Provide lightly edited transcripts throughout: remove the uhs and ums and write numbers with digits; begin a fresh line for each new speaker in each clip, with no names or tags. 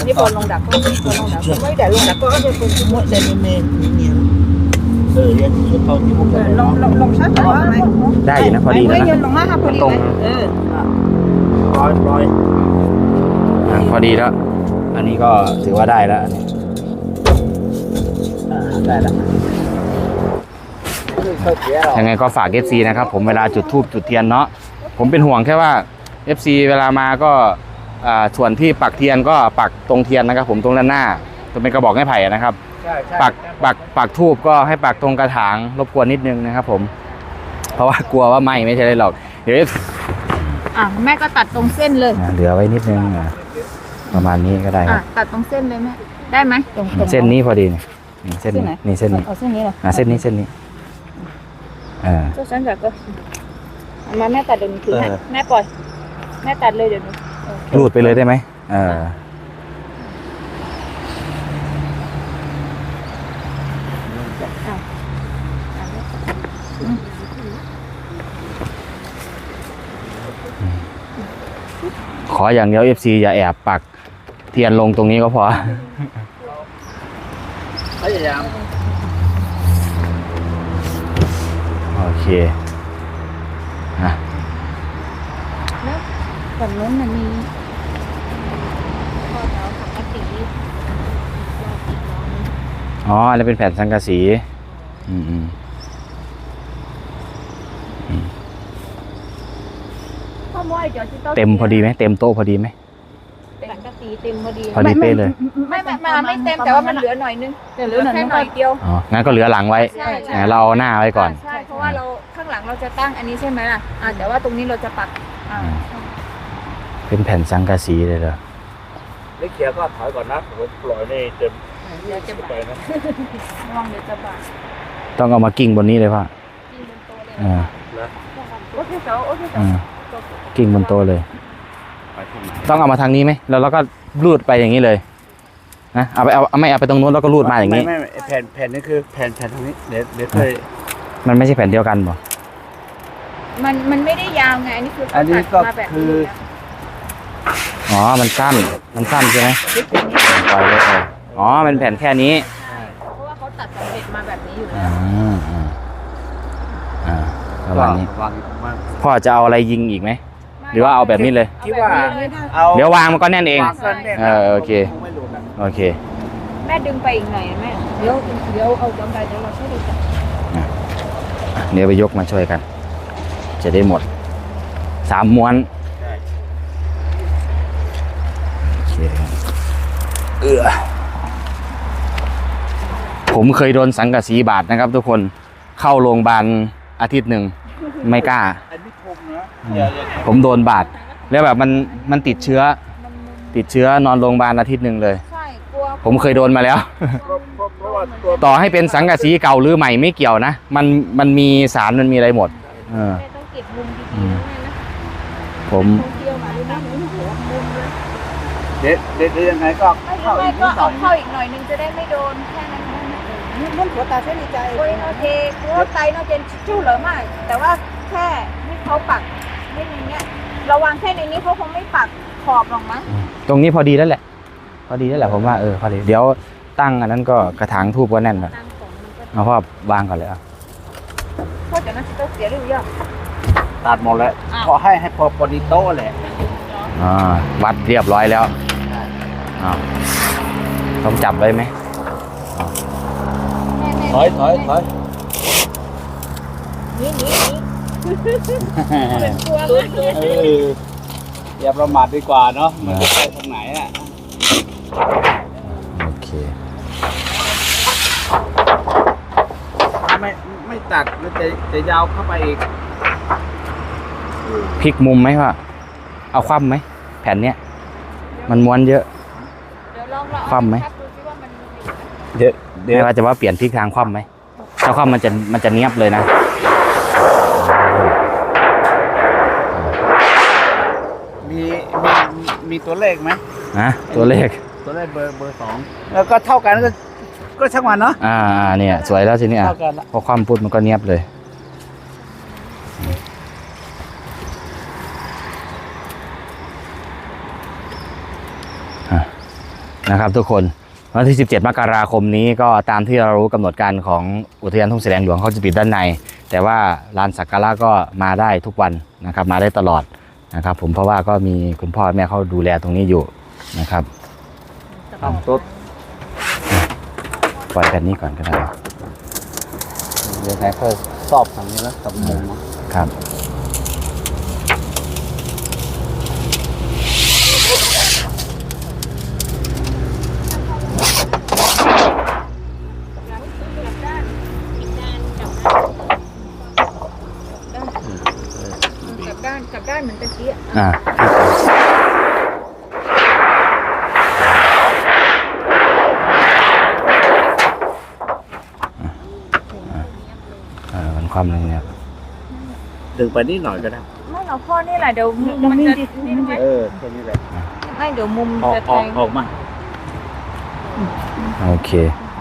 นี่บอลลงดักก็บอลลงดักไม่แต่ลงดักก็จะเป็นที่
mỗi đây mê nhiều yên thôi chứ không phải
ลงชัดแต่ว่าไหม
ได้อยู่นะพอดีแล้ว
ไม่
นะ
ยืนลงมาครับพอดี
ตรง
rồi
พอดีแล้ว อันนี้ก็ถือว่าได้แล้วอันนี้
đây là
ยังไงก็ฝาก FC นะครับผมเวลาจุดธูปจุดเทียนเนาะผมเป็นห่วงแค่ว่า FC เวลามาก็ส่วนที่ปักเทียนก็ปักตรงเทียนนะครับผมตรงด้านหน้าตรงเป็นกระบอกไม้ไผ่นะครับปักธูปก็ให้ปักตรงกระถางรบกวนนิดนึงนะครับผมเพราะว่ากลัวว่าไหม้ไม่ใช่เลยหรอกเดี๋ยว
แม่ก็ตัดตรงเส้นเลย
เหลือไว้นิดนึงประมาณนี้ก็ได้ครับ
ตัดตรงเส้นเลยแม่ได้ไหมตรง
เส้นนี้พอดีนี่เส้นนี้นี่เส้นนี้
เอาเส้นนี้เหรอ
เส้นนี้เส้นนี้
เจ้าฉันก็มาแม่ตัดเดี๋ยวนี้คือแม่ปล่อยแม่ตัดเลยเดี๋ยวนี้
รูดไปเลยได้ไหมขออย่างเดียว FC อย่าแอบปักเทียนลงตรงนี้ก็พอ โอเคนะ
แล้วฝั่งนู้นมันมีข้อเท้าปกติ
อ๋ออันนี้เป็นแผ่นสังกะสีเต็มพอดีไหมเต็มโต๊ะพอดีไหม
สังกะสีเต็มพอดี
พอดีเป๊ะเลย
ไม่เต็มแต่ว่ามันเหลือหน่อยนึงเหลือแค่หน่อยเดียว
อ๋องั้นก็เหลือหลังไว้เราเอาหน้าไว้ก่อน
ใช่เพราะว่าเราข้างหลังเราจะตั้งอันนี้ใช่ไหมล่ะแต่ว่าตรงนี้เราจะปัก
เป็นแผ่นสังกะสีเลยเหรอ
lấy kia có thổi còn nát rồi loại này tìm
เดี๋ยวจะบาดระวังเดี๋ยวจะบาด
ต้องเอามากิ้งบนนี้เลยป่ะ
กินบนโต๊ะเลยโอเคเจ้า
กิ้งบนโต๊ะเลยต้องเอามาทางนี้ไหมแล้วเราก็รูดไปอย่างนี้เลยนะเอาไปไม่เอาไปตรงนู้นแล้วก็รูดมาอย่างนี้
ไม่แผ่นนี่คือแผ่นตรงนี้เดี๋ยวเคย
มันไม่ใช่แผ่นเดียวกันป่ะ
มันไม่ได้ยาวไงอันนี้คือ
อันนี้ก็
มาแบบ
คือ
อ๋อมันสั้นใช่ไหมปล่อยเลยอ๋อเป็นแผ่นแค่นี้
เพราะว่าเขาตัดสำเร็จมาแบบนี้อยู่แล้
ประมาณนี้
วางมาก
พ่อจะเอาอะไรยิงอีกไหมหรือว่าเอาแบบนี้เลย
คิดว่าเอา
เดี๋ยววางมันก็แน่นเอง โอเค โอเค
แม่ดึงไปอีกหน่อยแม่เดี๋ยวเอาจำได้เดี๋ยวเราช่วยดูกัน
เดี๋ยวไปยกมาช่วยกัน จะได้หมด3 ม้วนโอเคผมเคยโดนสังกะสีบาดนะครับทุกคนเข้าโรงพยาบาลอาทิตย์หนึ่งไม่กล้า
อันนี้คมนะ
ผมโดนบาดแล้วแบบมันติดเชื้อนอนโรงพยาบาลอาทิตย์หนึ่งเลย
ใช่กลัว
ผมเคยโดนมาแล้ว
เพราะว่าตัว
ต่อให้เป็นสังกะสีเก่าหรือใหม่ไม่เกี่ยวนะมันมีสารมันมีอะไรหมด
แม่ต้องเก็บมุมดีๆนะ
ผม
เที่ยวมาด้วยนะหัวมุมเลย
เดี๋ยวยังไงก็
ไม่ก็เอาเข้าอีกหน่อยนึงจะได้ไม่โดนแค่นั้นมันหัวตาเส้นใจโอ้ยโอเคหัวไตน่าจะชู้เหลือมากแต่ว่าแค่ให้เขาปักให้ในนี้ระวังแค่ในนี้เขาคงไม่ปักขอบหรอกมั้ง
ตรงนี้พอดีแล้วแหละผมว่าพอดีเดี๋ยวตั้งอันนั้นก็กระถางทูบก็แน่นแล้ว
ตั้งของมันก็
เอาพ่อวางก่อนเลยอ่ะ
เพราะเดี๋ยวนั้นจะต้องเสียหรือยัง
ตัดหมดแล้วขอให้พอดีโต๊ะแหละ
วัดเรียบร้อยแล้วต้องจับไว้ไหม
ถอย
นี่เป็นตัวเลย
อย่าประมาทดีกว่าเนาะมันจะไปทางไหนอ่ะ
โอเค
ไม่ตัดมันจะยาวเข้าไปอีก
พลิกมุมไหมพ่อเอาคว่ำไหมแผ่นเนี้ยมันม้วนเยอะ
เดี๋ยวลอง
คว่ำไหม
ดูซิว่ามัน
เดี๋ยว
ไม่ว่าจะว่าเปลี่ยนพลิกทางคว่ำไหมถ้าคว่ำมันจะเนียบเลยนะ
มีตัวเลขไหม
ตัวเลข
เบอร์2แล้วก็เท่ากันก็ช่างมันเนาะ
เนี่ยสวยแล้วทีนี้
เท่ากันละ
พอคว่ำปุ๊บมันก็เนียบเลยนะครับทุกคนวันที่ 17 มกราคมนี้ก็ตามที่เรารู้กำหนดการของอุทยานทุ่งแสลงหลวงเขาจะปิดด้านในแต่ว่าลานสักการะก็มาได้ทุกวันนะครับมาได้ตลอดนะครับผมเพราะว่าก็มีคุณพ่อแม่เขาดูแลตรงนี้อยู่นะครับ
ทำตุ๊ด
ปล่อยแบบนี้ก่อนก็ได้
เดี๋ยวไหนค่อยสอบทางนี้แล้วกับมุม
ครับ
กลับด้านเหมือนตะกี้
มันความนึงเนี่ย
ดึงไปนิดหน่อยก็ได้
ไม่เราพ่อนี่แหละเดี๋ยวมันจะนี่ไหม
แค่นี้แหละ
ไม่เดี๋ยวมุม
ออก
จะแทง
ออกมา
โอเค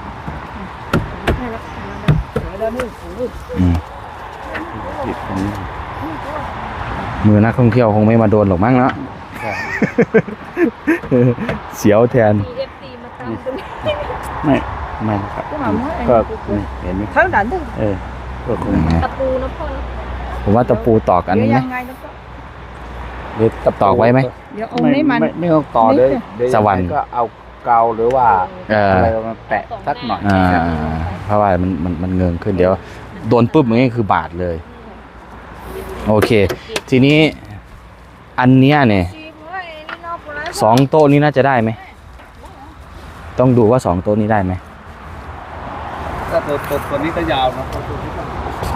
อืม
หยิบตรงนี้
มือนักท่องเที่ยวคงไม่มาโดนหรอกมั้งเนาะ เสียวแทน
มี FC มาตามตรงนี้
ไม่นะครับ
ก็หมาเมื่อ
ก็นี่เห็นไหม
เท่านั้นเอง
ก็คง
ตะปูนะพ่อนะ
ผมว่าตะปูตอกอัน
เดี๋ยว
นี้ไหม
ยังไงแล้วก็
หรือตอกไว้ไหม
เดี๋ยวเอาให้มัน
ไม่ต้องต่อเลยเดี๋ย
สวรรค์
ก็เอาเกาหรือว่า อะไรมาแปะสักหน่อย
เพราะว่ามันเงิงขึ้นเดี๋ยวโดนปุ๊บมันก็คือบาดเลย โอเค ทีนี้อันเนี้ยเนี่ย2 โต๊ะนี้น่าจะได้ไหมต้องดูว่า2 โต๊ะนี้ได้ไหม
ก็ตัวนี้ก็ยาวนะตัวนี้ก็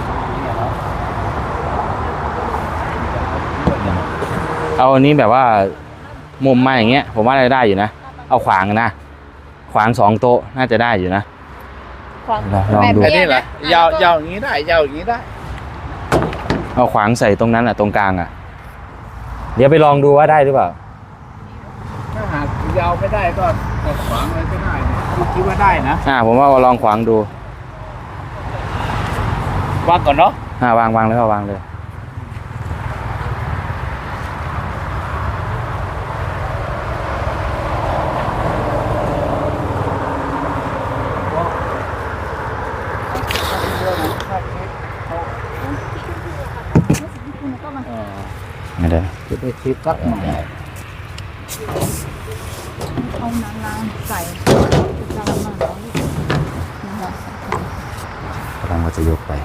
เอาอันนี้แบบว่ามุมมาอย่างเงี้ยผมว่าได้อยู่นะเอาขวางนะขวาง2 โต๊ะน่าจะได้อยู่นะ ลองดู
อันนี้แหละยาวอย่างนี้ได้ยาวอย่างนี้ได้
เอาขวางใส่ตรงนั้นอ่ะตรงกลางอ่ะเดี๋ยวไปลองดูว่าได้หรือเปล่า
ถ้าหากยาวไม่ได้ก็ขวางอะไรก็ได้เนี่ยคิดว่าได้นะ
ผมว่าลองขวางดู
วางก่อนเนาะ
วางเลยก็วางเลยไม่ได้
จะไปคิดสักหน่อย
เอาน้ำใส่น้ำมัน
กำลังว่าจะยกไป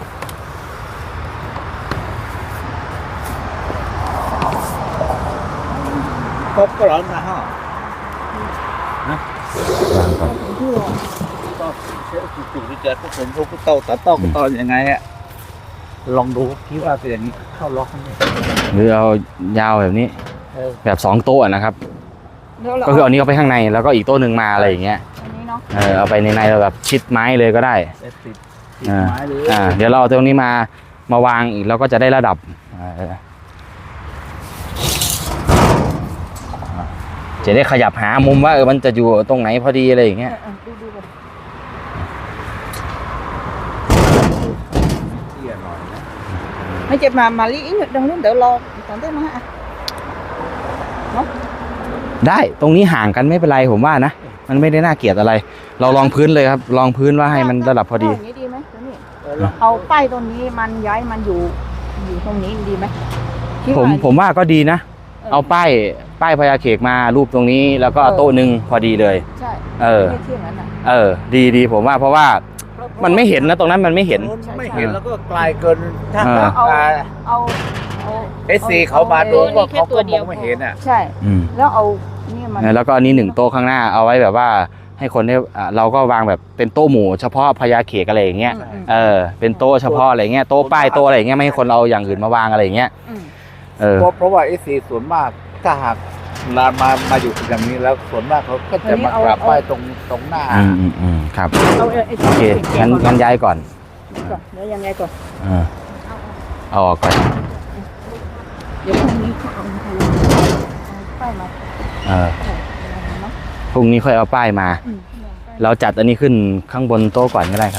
ครบก็ร้อนนะฮะ
วางก่อน
ก็เชื่อจุดที่เจอพวกผมพวกเต่าตัดต่อตอนยังไงอะลองดูคิดว่าเป็นอย่างนี้เข้าล็อกนี่
หรือเอายาวแบบนี้แบบ2 โต๊ะนะครับ ก็คือเอานี้เอาไปข้างในแล้วก็อีกโต๊ะหนึ่งมาอะไรอย่างเงี้ย
อันนี้เนาะ
เอาไปในเราแบบชิดไม้เลยก็ได้
ติดไม้หรือ
เดี๋ยวเราเอาตรงนี้มาวางอีกแล้วก็จะได้ระดับจะได้ขยับหามุมว่ามันจะอยู่ตรงไหนพอดีอะไรอย่างเงี้ย
ดูก่อน
เตี้ยหน่อยนะ
ไม่เจ็บมาลีอีกดังนู้นเดี๋ยวรอตอนเต้นมาฮะ
ได้ตรงนี้ห่างกันไม่เป็นไรผมว่านะมันไม่ได้น่าเกลียดอะไร เราลองพื้นเลยครับลองพื้นว่าให้มันระดับพอดี
อย่างนี้ดีไหมตัวนี้เอาป้ายตรงนี้มันย้ายมันอยู่ตรงนี้ดีไหม
ผมว่าก็ดีนะ เอาป้ายพญาเขกมารูปตรงนี้แล้วก็โต๊ะหนึ่งพอดีเลย
ใช่
ไม่เที่ยงนั้นดีผมว่าเพราะว่ามันไม่เห็นนะตรงนั้นมันไม่เห็น
ไม่เห็นแล้วก็ไกลเกินถ้า
เอา
SC เขามาดูว่าเขาก็มองไม่เห็นอ่ะ
ใช่แล้วเอานี่มัน
แล้วก็อันนี้1 โต๊ะข้างหน้าเอาไว้แบบว่าให้คนได้เราก็วางแบบเป็นโต๊ะหมู่เฉพาะพญาเขกอะไรอย่างเงี้ยเป็นโต๊ะเฉพาะอะไรเงี้ยโต๊ะป้ายโต๊ะอะไรอย่างเงี้ยไม่ให้คนเอาอย่างอื่นมาวางอะไรอย่างเงี้ย
เพราะว่า SC ส่วนมากถ้าหากมาอยู่อย่างนี้แล้วส่วนมากเขาก็จะมากราบไหว้ตรงหน้า
ครับ
เอา
โอเคงั้นย้ายก่อน
เดี๋ยวยังไงก่อน
เอาออกก่อน
เดี๋ยวพรุ่งนี้เขาเอาป้ายมา
พรุ่งนี้ค่อยเอาป้ายมา เราจัดอันนี้ขึ้นข้างบนโต๊ะก่อนก็ได้ครับ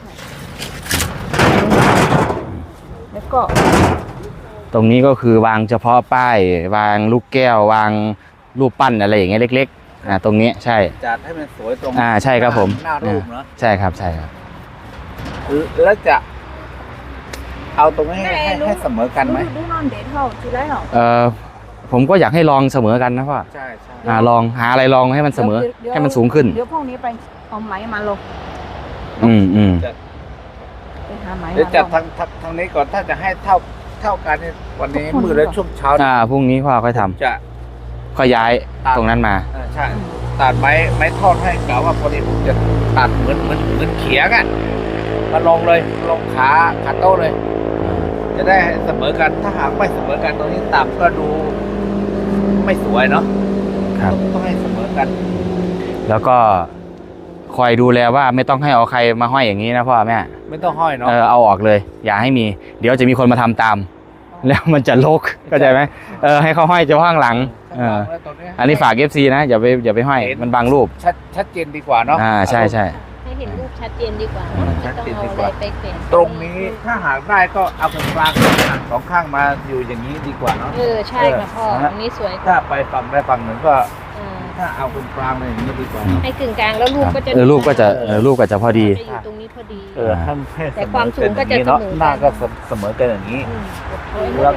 แล้วก็
ตรงนี้ก็คือวางเฉพาะป้ายวางลูกแก้ววางรูปปั้นอะไรอย่างเงี้ยเล็กตรงนี้ใช่
จัดให้มันสวยตรง
ใช่ครับผม
หน้ารูปเนาะ
ใช่ครับใช่ครับ
แล้วจะเอาตรงนี้ให้เสมอกันไหม
ดูนอนเด็ดเท่าทีไรเหรอ
ผมก็อยากให้ลองเสมอกันนะพ่อ
ใช่ใช่
ลองหาอะไรลองให้มันเสมอให้มันสูงขึ้น
เดี๋ยวพวกนี้ไปเอาไหมมาลง
อืม
ไปหาไหม
เดี๋ยวจัดทางนี้ก่อนถ้าจะให้เท่ากันเนี่ยวันนี้มืดและช่วงเช้า
พรุ่งนี้พ่อค่อยทำ
จะ
ค่อยย้ายตรงนั้นมา
ใช่ตัดไม้ทอดให้กล่าวว่าพอดีผมจะตัดเหมือนเขียงอ่ะมาลงเลยลงขาโต้เลย จะได้เสมอกันถ้าหากไม่เสมอกันตรงนี้ต่ำก็ดูไม่สวยเนาะ
ครับ
ต้องให้เสมอกัน
แล้วก็คอยดูแลว่าไม่ต้องให้เอาใครมาห้อยอย่างนี้นะพ่อแม่
ไม่ต้องห้อยเนาะ
เอาออกเลย อย่าให้มี เดี๋ยวจะมีคนมาทำตาม แล้วมันจะรกเข้าใจไหมให้เขาห้อยเฉพาะข้างหลัง
แล้วตรงนี้
อันนี้ฝาก FC นะอย่าไปห้อยมันบังรูป
ชัดเจนดีกว่าเนาะ
ใช่ใช่
ให้เห็นรูปชัดเจนดีกว่าไม่ต้องเอาอะไรไปเปลี่ยน
ตรงนี้ถ้าหากได้ก็เอาเป็นกลางสองข้างมาอยู่อย่างนี้ดีกว่าเนาะ
ใช่ค่ะพ่อตรงนี้สวยกว่า
ถ้าไปฝั่งใดฝั่งหนึ่งก็
อ่า
ถ้าเอาเป็นกลางเลยอย่างนี้ดีกว่า
ให้กึ่งกลางแล้วรูปก็จะ
รูปก็จะพอดี
จะอยู่ตรงนี้พอดี
ให้
แต่ความสูงก็จะ
เนาะ
เสมอกัน
หน้าก็เสมอกันอย่างนี้
อืม
แล้ว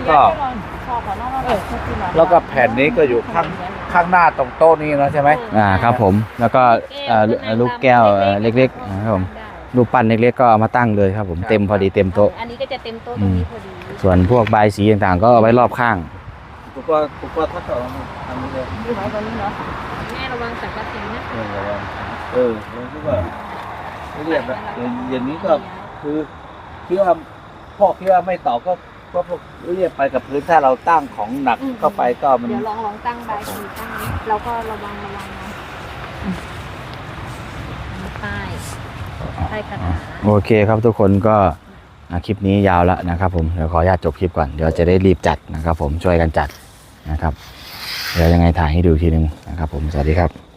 ก็แผ่นนี้ก็อยู่ข้างหน้าตรงโต๊ะนี้เนาะใช่ไหม
ครับผมแล้วก็ลูกแก้วเล็กๆครับผมรูปปั้นเล็กๆก็เอามาตั้งเลยครับผมเต็มพอดีเต็มโต๊ะ
อันนี้ก็จะเต็มโต๊ะตรงนี้พอดี
ส่วนพวกบายสีต่างๆ ก็เอาไว้รอบข้าง
ถูกว่าถ้าต่อทำนี้เลย
ดูไหมตอนนี้เนาะ
แม่ระวังสังกะสีนะ
ผมคิดว่าเรียบนะอย่างนี้ก็คือคิดว่าพ่อคิดว่าไม่ต่อก็พวกเรียบไปกับพื้นถ้าเราตั้งของหนักเข้าไปก็มัน
เดี๋ยวลองตั้งใบสีตั้งนี้เราก็ระวังนะป้ายคาถา
โอเคครับทุกคนก็คลิปนี้ยาวแล้วนะครับผมเดี๋ยวขออนุญาตจบคลิปก่อนเดี๋ยวจะได้รีบจัดนะครับผมช่วยกันจัดนะครับเดี๋ยวยังไงถ่ายให้ดูทีนึงนะครับผมสวัสดีครับ